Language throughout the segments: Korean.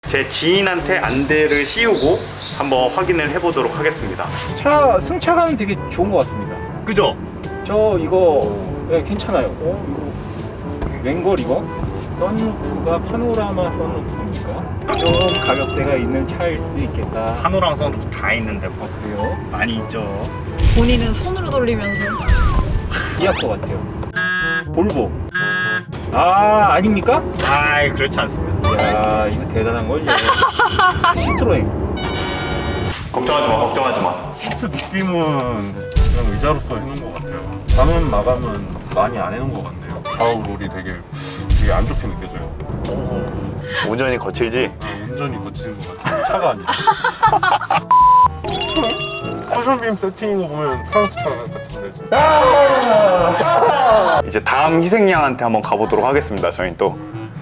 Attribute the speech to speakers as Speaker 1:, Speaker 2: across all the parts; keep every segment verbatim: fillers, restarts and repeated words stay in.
Speaker 1: 제 지인한테 안대를 씌우고 한번 확인을 해보도록 하겠습니다.
Speaker 2: 차 승차감은 되게 좋은 것 같습니다.
Speaker 1: 그죠?
Speaker 2: 저 이거 네, 괜찮아요. 어, 이거 웬걸 이거? 선루프가 파노라마 선루프니까 좀 가격대가 있는 차일 수도 있겠다.
Speaker 1: 파노랑 선루프 다 있는데 뭐
Speaker 2: 그래요?
Speaker 1: 많이 있죠.
Speaker 3: 본인은 손으로 돌리면서
Speaker 2: 이할 것 같아요. 볼보. 아 아닙니까?
Speaker 1: 아이 그렇지 않습니다.
Speaker 2: 이야 이거 대단한 걸요. 시트로엔.
Speaker 1: 걱정하지 마, 걱정하지 마.
Speaker 4: 시트 느낌은 그냥 의자로서 해놓은 것 같아요. 단원 마감은 많이 안 해놓은 것 같네요. 좌우 롤이 되게 되게 안 좋게 느껴져요.
Speaker 1: 운전이 거칠지?
Speaker 4: 아, 운전이 거치는 것 같아요. 차가 아니라. 시트로엔? 쿠션빔 세팅인 거 보면 프랑스 차 같은데.
Speaker 1: 이제 다음 희생양한테 한번 가보도록 하겠습니다. 저희 또.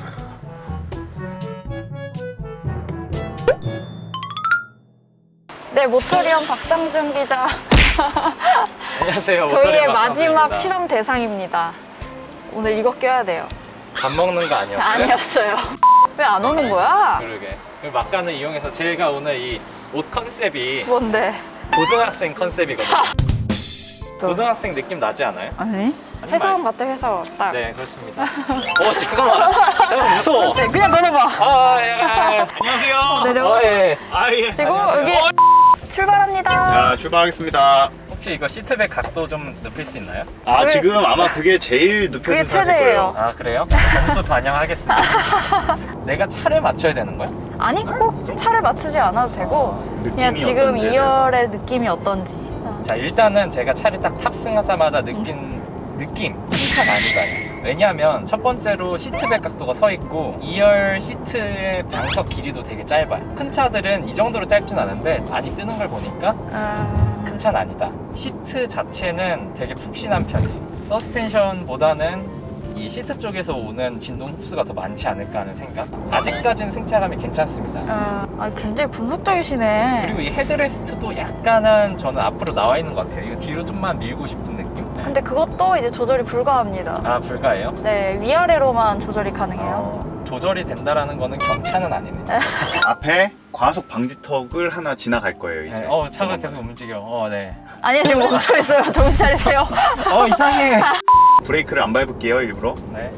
Speaker 3: 네, 모터리언 박상준 기자.
Speaker 2: 안녕하세요.
Speaker 3: 저희의
Speaker 2: 모터리언
Speaker 3: 마지막
Speaker 2: 박상준입니다.
Speaker 3: 실험 대상입니다. 오늘 이거 껴야 돼요.
Speaker 2: 밥 먹는 거 아니었어요?
Speaker 3: 아니었어요. 왜 안 오는 거야?
Speaker 2: 그러게. 그 막간을 이용해서 제가 오늘 이 옷 컨셉이
Speaker 3: 뭔데?
Speaker 2: 고등학생 컨셉이거든요. 고등학생 느낌 나지 않아요?
Speaker 3: 아니? 회사원 같아, 회사원. 딱.
Speaker 2: 네, 그렇습니다. 어, 잠깐만. 잠깐만, 무서워.
Speaker 3: 네, 그냥 걸어봐.
Speaker 2: 아, 야, 야.
Speaker 1: 안녕하세요.
Speaker 3: 내려와.
Speaker 2: 어, 예.
Speaker 1: 아 예.
Speaker 3: 그리고
Speaker 2: 안녕하세요.
Speaker 3: 여기 출발합니다.
Speaker 1: 자 출발하겠습니다.
Speaker 2: 혹시 이거 시트백 각도 좀 눕힐 수 있나요?
Speaker 1: 아
Speaker 3: 그게-
Speaker 1: 지금 아마 그게 제일
Speaker 3: 그게
Speaker 1: 눕혀진 상태일
Speaker 3: 최대예요.
Speaker 1: 거예요.
Speaker 2: 아, 그래요? 점수 반영하겠습니다. 내가 차를 맞춰야 되는 거야?
Speaker 3: 아니, 꼭 차를 맞추지 않아도 되고 그냥
Speaker 1: 느낌이
Speaker 3: 지금
Speaker 1: 어떤지에
Speaker 3: 이 열의 느낌이 어떤지. 어.
Speaker 2: 자, 일단은 제가 차를 딱 탑승하자마자 느낀 느낌, 큰 차가 아니다요. 왜냐하면 첫 번째로 시트백 각도가 서 있고 이 열 시트의 방석 길이도 되게 짧아요. 큰 차들은 이 정도로 짧진 않은데 많이 뜨는 걸 보니까
Speaker 3: 음...
Speaker 2: 큰 차는 아니다. 시트 자체는 되게 푹신한 편이에요. 서스펜션보다는 이 시트 쪽에서 오는 진동 흡수가 더 많지 않을까 하는 생각. 아직까지는 승차감이 괜찮습니다.
Speaker 3: 어... 아, 굉장히 분석적이시네.
Speaker 2: 그리고 이 헤드레스트도 약간은 저는 앞으로 나와 있는 것 같아요. 이거 뒤로 좀만 밀고 싶은 느낌. 네.
Speaker 3: 근데 그것도 이제 조절이 불가합니다.
Speaker 2: 아, 불가해요?
Speaker 3: 네, 위아래로만 조절이 가능해요.
Speaker 2: 어, 조절이 된다라는 거는 경차는 아니네.
Speaker 1: 앞에 과속 방지턱을 하나 지나갈 거예요 이제.
Speaker 2: 네. 어, 차가 계속 움직여. 어, 네.
Speaker 3: 아니, 지금 멈춰 있어요. 정신 차리세요.
Speaker 2: 어, 이상해.
Speaker 1: 브레이크를 안 밟을게요 일부러.
Speaker 2: 네.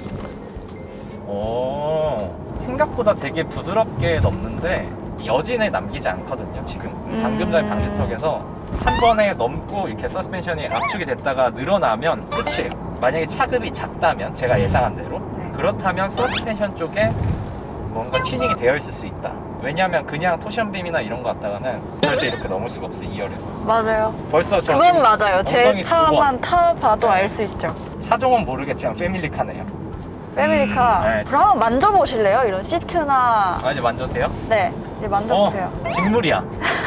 Speaker 2: 오, 생각보다 되게 부드럽게 넘는데 여진을 남기지 않거든요. 지금 방금 전
Speaker 3: 음.
Speaker 2: 방지턱에서 한 번에 넘고 이렇게 서스펜션이 압축이 됐다가 늘어나면 끝이에요. 만약에 차급이 작다면 제가 예상한 대로
Speaker 3: 네.
Speaker 2: 그렇다면 서스펜션 쪽에 뭔가 튜닝이 되어 있을 수 있다. 왜냐하면 그냥 토션빔이나 이런 거 갖다가는 절대 이렇게 넘을 수가 없어요. 이 열에서.
Speaker 3: 맞아요.
Speaker 2: 벌써 저
Speaker 3: 그건
Speaker 2: 지금
Speaker 3: 맞아요. 제
Speaker 2: 엉덩이 두
Speaker 3: 차만 타봐도
Speaker 2: 네.
Speaker 3: 알 수 있죠.
Speaker 2: 차종은 모르겠지만 패밀리카네요.
Speaker 3: 패밀리카.
Speaker 2: 네.
Speaker 3: 그럼 만져보실래요? 이런 시트나.
Speaker 2: 아, 이제 만져도 돼요?
Speaker 3: 네, 이제 만져보세요.
Speaker 2: 어, 직물이야.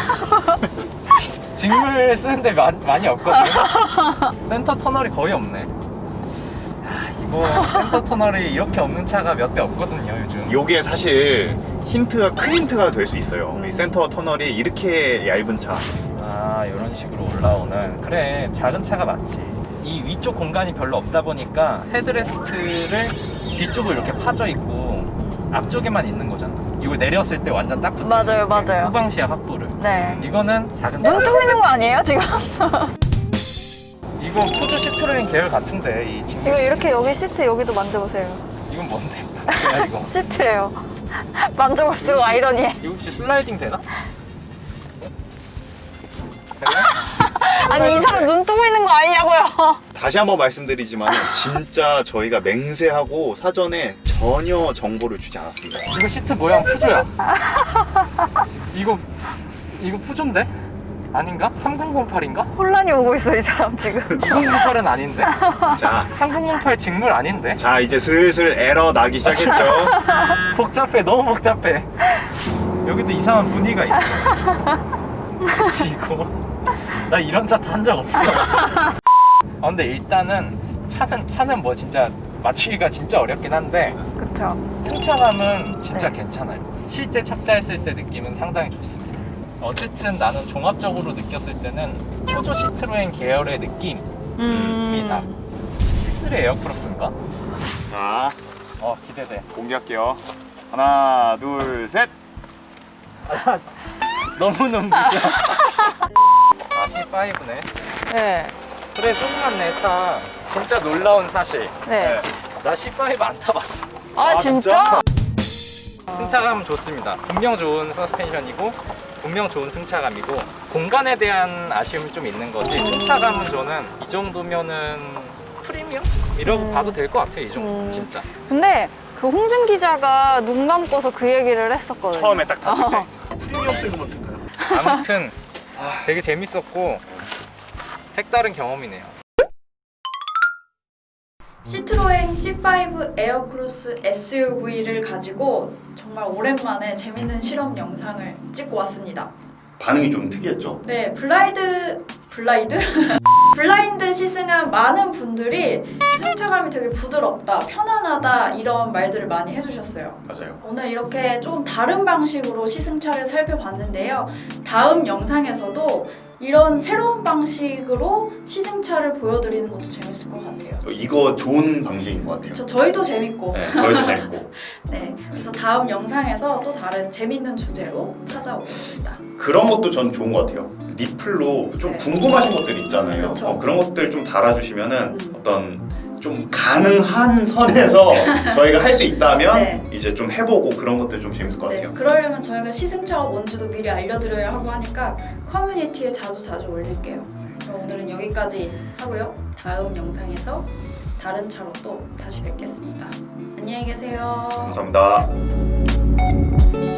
Speaker 2: 직물 쓰는데 마, 많이 없거든요. 센터 터널이 거의 없네. 야, 이거 센터 터널이 이렇게 없는 차가 몇 대 없거든요, 요즘.
Speaker 1: 요게 사실 힌트가 큰 힌트가 될 수 있어요. 이 센터 터널이 이렇게 얇은 차.
Speaker 2: 아, 이런 식으로 올라오는. 그래, 작은 차가 맞지. 이 위쪽 공간이 별로 없다 보니까 헤드레스트를 뒤쪽으로 이렇게 파져 있고 앞쪽에만 있는 거잖아. 이거 내렸을 때 완전 딱 붙어 있을
Speaker 3: 맞아요,
Speaker 2: 때
Speaker 3: 맞아요.
Speaker 2: 후방 시야 확보를.
Speaker 3: 네.
Speaker 2: 이거는 작은 차.
Speaker 3: 눈 뜨고 있는 거 아니에요, 지금?
Speaker 2: 이거 푸드 시트로인 계열 같은데 이 친구.
Speaker 3: 이거 이렇게 여기 시트 여기도 만져보세요.
Speaker 2: 이건 뭔데? 뭐야 이거?
Speaker 3: 시트예요. 만져볼수록 아이러니해.
Speaker 2: 이거 혹시 슬라이딩 되나?
Speaker 3: 아니, 이 사람 눈 뜨고 있는 거 아니냐고요.
Speaker 1: 다시 한번 말씀드리지만 진짜 저희가 맹세하고 사전에 전혀 정보를 주지 않았습니다.
Speaker 2: 이거 시트 모양 푸조야. 이거 이거 푸조인데? 아닌가? 삼공공팔인가?
Speaker 3: 혼란이 오고 있어, 이 사람 지금.
Speaker 2: 삼공공팔은 아닌데?
Speaker 1: 자,
Speaker 2: 삼공공팔 직물 아닌데?
Speaker 1: 자 이제 슬슬 에러 나기 시작했죠.
Speaker 2: 복잡해, 너무 복잡해. 여기도 이상한 무늬가 있어. 지고 나 이런 차 탄 적 없어. 아, 근데 일단은 차는 차는 뭐 진짜 맞추기가 진짜 어렵긴 한데
Speaker 3: 그쵸.
Speaker 2: 승차감은 진짜
Speaker 3: 네.
Speaker 2: 괜찮아요. 실제 착자했을 때 느낌은 상당히 좋습니다. 어쨌든 나는 종합적으로 느꼈을 때는 푸조 시트로엔 계열의 느낌이
Speaker 3: 음.
Speaker 2: 나. 시쓰리 에어크로스인가?
Speaker 1: 자
Speaker 2: 어, 기대돼.
Speaker 1: 공개할게요. 하나, 둘, 셋.
Speaker 2: 너무 눈부셔. 아, 씨파이브네.
Speaker 3: 네.
Speaker 2: 그래, 조그맣네, 차. 진짜 놀라운 사실.
Speaker 3: 네.
Speaker 2: 나 씨파이브 안 타봤어.
Speaker 3: 아, 진짜?
Speaker 2: 승차감은 좋습니다. 분명 좋은 서스펜션이고 분명 좋은 승차감이고 공간에 대한 아쉬움이 좀 있는 거지 승차감은 저는 이 정도면은 프리미엄? 이라고
Speaker 3: 음.
Speaker 2: 봐도 될 것 같아요. 이 정도
Speaker 3: 음.
Speaker 2: 진짜.
Speaker 3: 근데 그 홍준 기자가 눈 감고서 그 얘기를 했었거든요.
Speaker 1: 처음에 딱 탔을 때.
Speaker 3: 어.
Speaker 1: 프리미엄 쓰고만 될까요?
Speaker 2: 아무튼 되게 재밌었고 색다른 경험이네요.
Speaker 5: 시트로엔 씨 파이브 에어크로스 에스유브이를 가지고 정말 오랜만에 재밌는 실험 영상을 찍고 왔습니다.
Speaker 1: 반응이 좀 특이했죠?
Speaker 5: 네, 블라이드... 블라이드? 블라인드 시승한 많은 분들이 승차감이 되게 부드럽다, 편안하다 이런 말들을 많이 해주셨어요.
Speaker 1: 맞아요.
Speaker 5: 오늘 이렇게 조금 다른 방식으로 시승차를 살펴봤는데요. 다음 영상에서도 이런 새로운 방식으로 시승차를 보여드리는 것도 재밌을 것 같아요.
Speaker 1: 이거 좋은 방식인 것 같아요.
Speaker 5: 저, 저희도 재밌고
Speaker 1: 네, 저희도 재밌고.
Speaker 5: 네, 그래서 다음 영상에서 또 다른 재밌는 주제로 찾아오겠습니다.
Speaker 1: 그런 것도 전 좋은 것 같아요. 리플로 좀
Speaker 5: 네.
Speaker 1: 궁금하신 것들 있잖아요.
Speaker 5: 그쵸.
Speaker 1: 어, 그런 것들 좀 달아주시면은
Speaker 5: 음.
Speaker 1: 어떤 좀 가능한 선에서 저희가 할 수 있다면
Speaker 5: 네.
Speaker 1: 이제 좀 해보고 그런 것들 좀 재밌을 것
Speaker 5: 네,
Speaker 1: 같아요.
Speaker 5: 그러려면 저희가 시승차가 뭔지도 미리 알려드려야 하고 하니까 커뮤니티에 자주 자주 올릴게요. 그럼 오늘은 여기까지 하고요. 다음 영상에서 다른 차로 또 다시 뵙겠습니다. 안녕히 계세요.
Speaker 1: 감사합니다.